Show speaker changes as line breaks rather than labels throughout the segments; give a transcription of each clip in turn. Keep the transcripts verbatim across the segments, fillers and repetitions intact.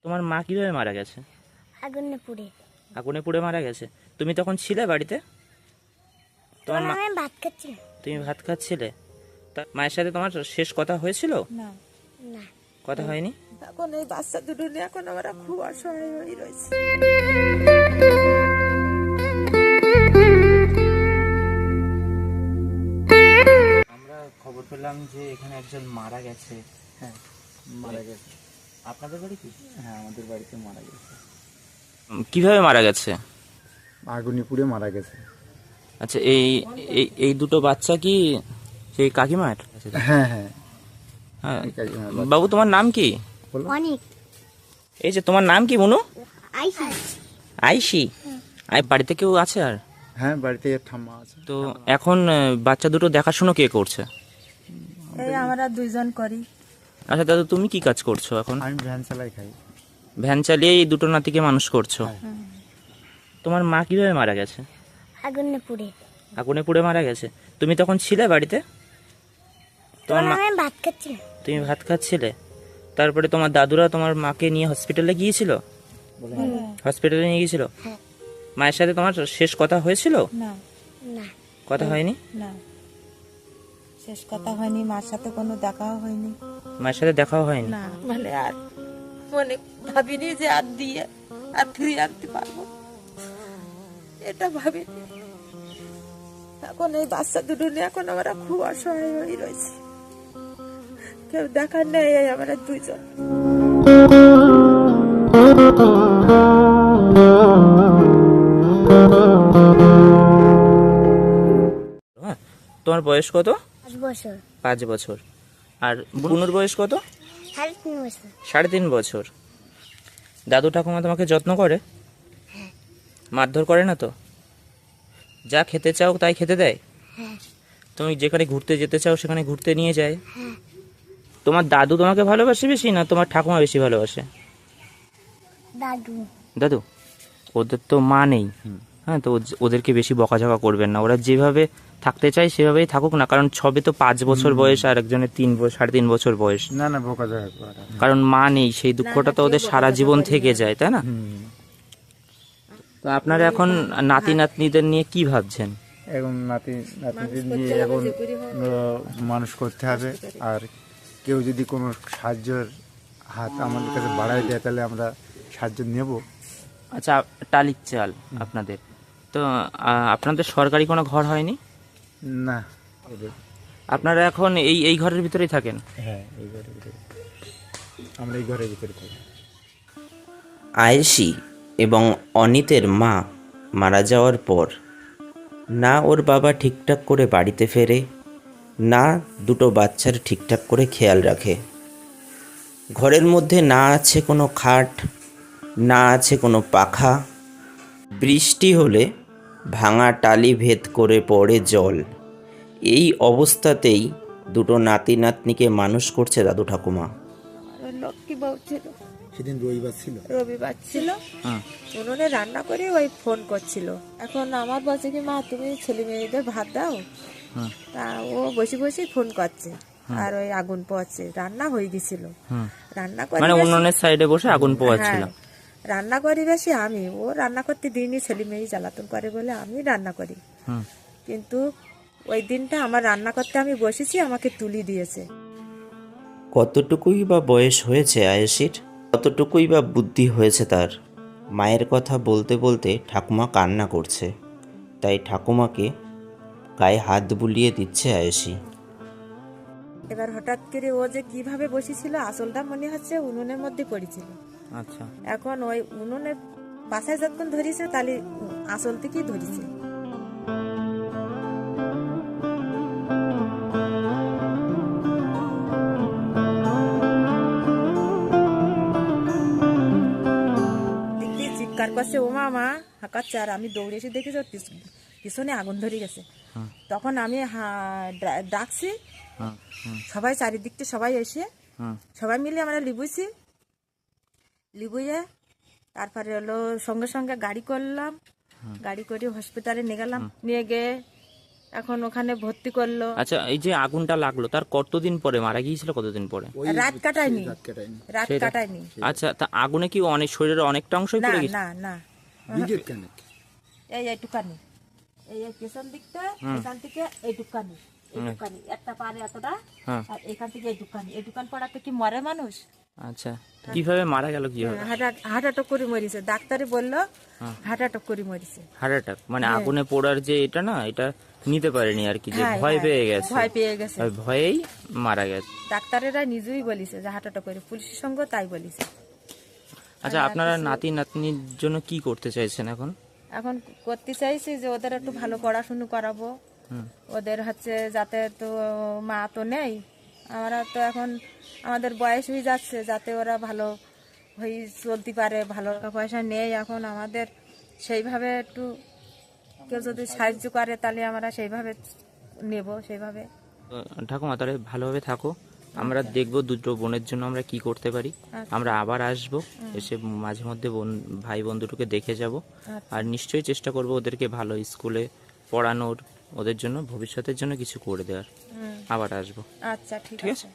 তোমার মা কিভাবে মারা গেছে?
আগুনে পুড়ে।
আগুনে পুড়ে মারা গেছে। তুমি তখন ছিলে বাড়িতে? তোমার মা,
আমি ভাত খাচ্ছি।
তুমি ভাত খাচ্ছিলে? তা মায়ের সাথে তোমার শেষ কথা হয়েছিল?
না,
না,
কথা হয়নি?
এখন এই বাচ্চা দুটো নিয়ে এখন আমরা খুব অসহায় হয়ে রয়েছে।
আমরা খবর পেলাম যে এখানে একজন মারা গেছে।
হ্যাঁ, মারা গেছে।
আপনাদের বাড়ি কি?
হ্যাঁ, আমাদের বাড়িতে মারা গেছে।
কিভাবে মারা গেছে?
আগুনে পুড়ে মারা গেছে।
আচ্ছা, এই এই এই দুটো বাচ্চা কি সেই কাকিমার?
হ্যাঁ হ্যাঁ
হ্যাঁ।
এই কাকিমার বাচ্চা।
বাবু, তোমার নাম কি?
বলো।
অনেক
এই যে তোমার নাম কি মনু?
আইসি।
আইসি। আই বাড়িতে কেউ আছে আর?
হ্যাঁ, বাড়িতে ঠাম্মা আছে।
তো এখন আহ, বাচ্চা দুটো দেখাশুনো কে করছে?
এই আমরা দুইজন করি।
আচ্ছা দাদু, তুমি কি কাজ করছো এখন?
আমি ভ্যান চালাই খাই।
ভ্যান চালিয়ে এই দুটো নাতিকে মানুষ করছো।
হ্যাঁ।
তোমার মা কিভাবে মারা গেছে?
আগুনে পুড়ে।
আগুনে পুড়ে মারা গেছে। তুমি তখন ছিলে বাড়িতে? তোমার মা,
আমি ভাত খাচ্ছি।
তুমি ভাত খাচ্ছিলে? তারপরে তোমার দাদুরা তোমার মাকে নিয়ে হসপিটালে গিয়েছিল? হসপিটালে নিয়ে গিয়েছিল?
হ্যাঁ।
মায়ের সাথে তোমার শেষ কথা হয়েছিল?
না,
না,
কথা হয়নি?
না, শেষ কথা হয়নি। মার সাথে কোনো দেখাও হয়নি।
মায়ের সাথে দেখাও হয়নি?
না, মানে আর মনে ভাবিনি যে আর দিয়ে আর ফিরিয়ে আনতে পারবো, এটা ভাবিনি। এখন এই বাচ্চা দুটো নিয়ে এখন আমরা খুব অসহায় হয়ে রয়েছে। কেউ দেখার নেই, এই আমরা দুইজন।
হ্যাঁ। তোমার বয়স কত?
পাঁচ বছর।
পাঁচ বছর। আর বুনুর বয়স কত?
সাড়ে তিন বছর।
সাড়ে তিন বছর। দাদু ঠাকুমা তোমাকে যত্ন করে? মারধর করে না তো? যা খেতে চাও তাই খেতে দেয়?
হ্যাঁ।
তুমি যেখানে ঘুরতে যেতে চাও সেখানে ঘুরতে নিয়ে যায়?
হ্যাঁ।
তোমার দাদু তোমাকে ভালোবাসে বেশি না তোমার ঠাকুমা বেশি ভালোবাসে?
দাদু।
দাদু, ওদের তো মা নেই। হ্যাঁ, তো ওজ- ওদেরকে বেশি বকাঝকা করবেন না। ওরা যেভাবে থাকতে চায় সেভাবেই থাকুক না, কারণ সবে তো পাঁচ বছর বয়স আর একজনের তিন বছর সাড়ে তিন বছর বয়স।
না না, বোকা জায়গা করা।
কারণ মা নেই, সেই দুঃখটা তো ওদের সারা জীবন থেকে যায়, তাই না?
হুম।
তো আপনারা এখন নাতি নাতনিদের নিয়ে কি ভাবছেন?
এখন নাতি নাতিদের নিয়ে এখন আহ, মানুষ করতে হবে। আর কেউ যদি কোনো সাহায্যের হাত আমাদের কাছে বাড়ায় দেয় তাহলে আমরা সাহায্য নেব।
আচ্ছা, টালির চাল আপনাদের তো, আহ, আপনাদের সরকারি কোনো ঘর হয়নি?
না, ওদের
আপনারা এখন এই এই ঘরের ভিতরেই থাকেন?
হ্যাঁ, এই ঘরের ভিতরে আমরা এই ঘরের ভিতরে থাকি।
আয়েশি এবং অনিতের মা মারা যাওয়ার পর না ওর বাবা ঠিকঠাক করে বাড়িতে ফেরে, না দুটো বাচ্চার ঠিকঠাক করে খেয়াল রাখে। ঘরের মধ্যে না আছে কোনো খাট, না আছে কোনো পাখা। বৃষ্টি হলে ভাঙা টালি ভেদ করে পড়ে জল। এই অবস্থাতেই দুটো নাতি নাতনিকে মানুষ করছে দাদু ঠাকুমা।
ওর লক্ষ্মী বউ ছিল,
সেদিন রবিবার ছিল।
রবিবার ছিল।
হুম।
উনুনে রান্না করে ওই ফোন করছিল। এখন আমার বলছে কি, মা তুমি ছেলে মেয়েদের ভাত দাও।
হুম।
তা ও বসে বসে ফোন করছে আর ওই আগুন পোয়াচ্ছে। রান্না হয়ে গেছিল।
হুম।
রান্না করে
মানে
বেশি-
উনুনের সাইডে বসে আগুন পোয়াচ্ছিল?
হ্যাঁ, রান্না করি বেশি আমি। ও রান্না করতে দিইনি, ছেলে মেয়ে জ্বালাতন করে বলে আমি রান্না করি।
হুম।
কিন্তু ওই দিনটা আমার রান্না করতে আমি বসেছি, আমাকে তুলি দিয়েছে।
কতটুকুই বা বয়স হয়েছে আয়েশির, কতটুকুই বা বুদ্ধি হয়েছে তার। মায়ের কথা বলতে বলতে ঠাকুমা কান্না করছে, তাই ঠাকুমাকে গায়ে হাত বুলিয়ে দিচ্ছে আয়েশি।
এবার হঠাৎ করে ও যে কিভাবে বসেছিল, আসলটা মনে হচ্ছে উনুনের মধ্যে পড়েছিল।
আচ্ছা।
এখন ওই উনুনের পাশে যখন ধরেছে তাহলে আসল থেকেই ধরেছে। দেখি চিৎকার করছে, ও মা মা হাঁকাচ্ছে। আর আমি দৌড়ে এসে দেখি যে পিছ- পিছনে আগুন ধরে গেছে। তখন আমি হা- ডা- ডাকছি
হুম। হুম।
সবাই, চারিদিকটা সবাই এসে
হুম।
সবাই মিলে আমরা লিবুইছি। লিবুইয়ে তারপরে হলো সঙ্গে সঙ্গে গাড়ি করলাম। গাড়ি করে হসপিটালে নিয়ে গেলাম। নিয়ে গিয়ে এখন ওখানে ভর্তি করলো।
আচ্ছা, এই যে আগুনটা লাগলো তার কতদিন পরে মারা গিয়েছিল? কতদিন পরে?
রাত কাটায়নি,
রাত কাটায়নি।
রাত
সেটা-
কাটায়নি।
আচ্ছা, তা আগুনে কি অনেক শরীরের অনেকটা অংশই
না
পড়ে গেছে?
না না,
নিজের কেন?
এই এইটুকানি, এই এই পেছন দিকটা, এখান থেকে এইটুকানি, এইটুকানি একটা পারে এতটা,
হ্যাঁ।
আর এখান থেকে এইটুকানি, এইটুকান পড়াতে কি মরে মানুষ?
আচ্ছা, কিভাবে মারা গেল? কিভাবে?
হার্ট হার্ট অ্যাটাক করে মরিছে, ডাক্তারে বললো হার্ট অ্যাটাক করে মরিছে।
হার্ট অ্যাটাক মানে আগুনে পোড়ার যে এটা না, এটা নিতে পারেনি আর কি, যে
হ্যাঁ,
ভয়
হ্যাঁ,
পেয়ে গেছে,
ভয় পেয়ে গেছে।
ওই ভয়েই মারা গেছে।
ডাক্তারেরা নিজেই বলিছে যে হার্ট অ্যাটাক করে, পুলিশের সঙ্গে তাই বলিছে।
আচ্ছা, আপনারা নাতি নাতনির জন্য কি করতে চাইছেন এখন?
এখন করতে চাইছি যে ওদের একটু ভালো পড়াশুনো করাবো, ওদের হচ্ছে যাতে, তো মা তো নেই, আমরা তো এখন আমাদের বয়স হয়ে যাচ্ছে, যাতে ওরা ভালো হয়ে চলতে পারে, ভালো টাকা পয়সা নেই এখন আমাদের, সেইভাবে একটু কেউ যদি সাহায্য করে তাহলে আমরা সেইভাবে নেব, সেইভাবে।
আহ, ঠাকুমা, তাহলে ভালোভাবে থাকো, আমরা দেখবো দুটো বোনের জন্য আমরা কি করতে পারি। আমরা আবার আসবো, এসে মাঝে মধ্যে বোন ভাই বন্ধুটুকে দেখে যাব, আর নিশ্চয়ই চেষ্টা করব ওদেরকে ভালো স্কুলে পড়ানোর, ওদের জন্য ভবিষ্যতের জন্য কিছু করে দেওয়ার। আবার আসবো।
আচ্ছা, ঠিক
ঠিক
আছে।
আছে।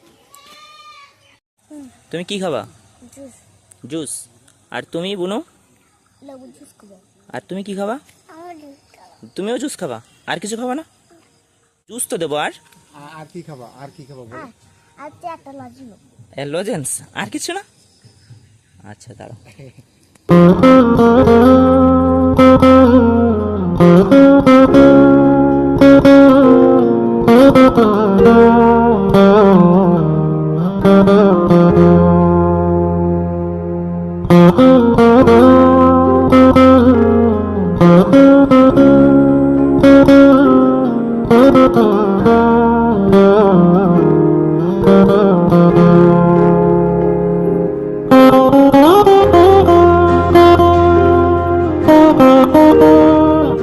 তুমি কি খাবা?
Juice
juice. আর তুমি বুনু?
লেবু জুস খাবো।
আর তুমি কি খাবা?
আমার জুস খাবো।
তুমিও জুস খাবা? আর কিছু খাবা না? জুস তো দেবো। আর
আ- আর কি খাবা? আর কি খাবা বলো?
আর আর একটা লাজি নেবো।
লজেন্স? আর কিছু না? আচ্ছা, দাঁড়াও।
Thank you.